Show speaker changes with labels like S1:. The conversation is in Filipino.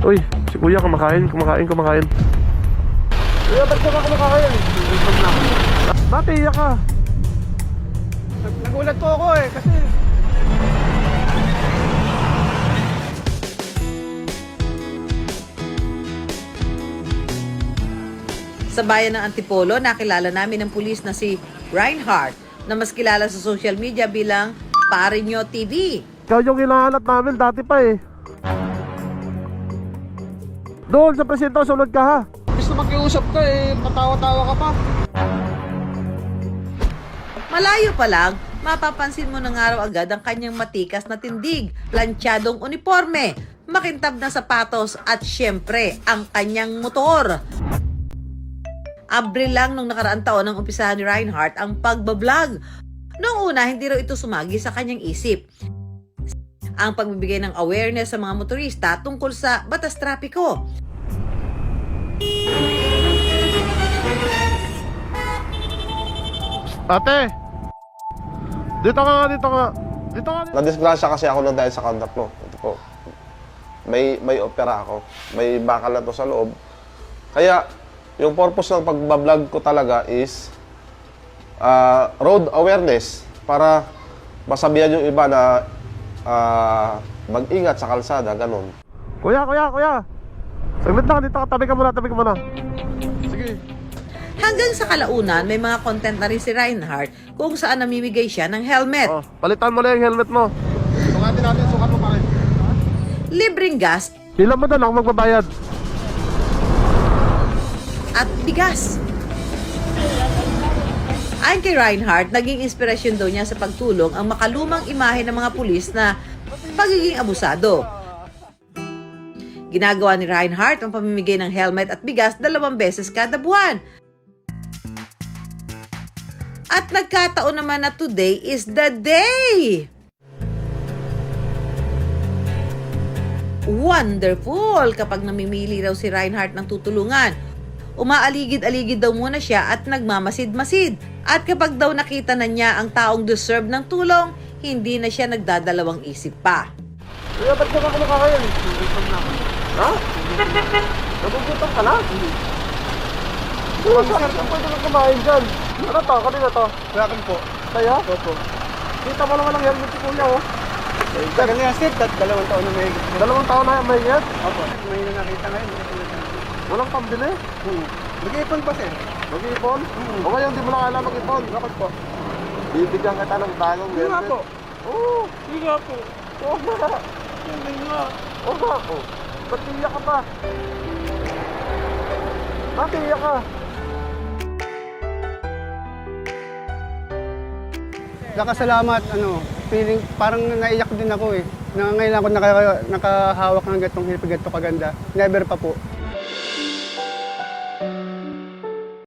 S1: Uy, si kuya kumakain. Kuya, ba't ka kumakain? Ba't iiyak ka?
S2: Nagulat po ako eh, kasi
S3: Sa bayan ng Antipolo, nakilala namin ng pulis na si Reinhardt na mas kilala sa social media bilang Parinyo TV.
S1: Ikaw yung hinahanap namin dati pa eh. Doon sa presinto, sunod ka ha.
S2: gusto makiusap ka eh, patawa-tawa ka pa.
S3: Malayo pa lang, mapapansin mo ng araw agad ang kanyang matikas na tindig, plantsadong uniforme, makintab na sapatos at syempre ang kanyang motor. Abril lang nung nakaraang taon nang umpisahan ni Reinhardt ang pagbablog. Noong una, hindi raw ito sumagi sa kanyang isip. Ang pagbibigay ng awareness sa mga motorista tungkol sa batas trapiko.
S1: Ate! Dito ka.
S4: Nadisgrasya kasi ako na dahil sa conduct mo. Ito po. May opera ako. May bakal na to sa loob. Kaya, yung purpose ng pagbablog ko talaga is road awareness para masabihan yung iba na mag-ingat sa kalsada, ganun.
S1: Kuya! Saglit lang, dito ka. Tabi ka muna. Sige.
S3: Hanggang sa kalaunan, may mga content na rin si Reinhardt kung saan namimigay siya ng helmet,
S1: Oh, palitan mo na yung helmet mo.
S2: Sukat mo pa rin.
S3: libreng gas
S1: Ilan mo doon ako magbabayad?
S3: at bigas. Ayon kay Reinhardt, naging inspirasyon daw niya sa pagtulong ang makalumang imahe ng mga pulis na pagiging abusado. Ginagawa ni Reinhardt ang pamimigay ng helmet at bigas 2 beses kada buwan. At nagkataon naman na today is the day! Wonderful kapag namimili raw si Reinhardt ng tutulungan. Umaaligid-aligid daw muna siya at nagmamasid-masid. At kapag daw nakita na niya ang taong deserve ng tulong, hindi na siya nagdadalawang isip pa.
S1: Kuya, ba't ka kumakain? Ha? Nagugutom ka na? Kuya, saan ka pwede kang kumain dyan? Ano to? Kanina to?
S2: Welcome po.
S1: Kaya?
S2: Opo.
S1: Kita mo naman ang helmet si kuya oh.
S2: Tagal na yan, sir. 2 taon na may...
S1: 2 taon na may get?
S2: Opo. May nakita ngayon.
S1: Walang pambili?
S2: Mag-iipon pa, sir.
S1: Mag-ipon? O ngayon di mo na kailangan mag-ipon?
S2: Bakit po?
S1: Bibigyan kita ng bagong
S2: Hindi nga
S1: helmet.
S2: po.
S1: Oo.
S2: Hindi nga po.
S1: Oo nga.
S2: Hindi nga.
S1: Oo nga po. Ba't iiyak ka pa? Ba't iiyak ka?
S2: Nakasalamat, feeling, parang naiyak din ako eh. Na ngayon ako nakahawak ng gatong hirap, gato kaganda. Never pa po.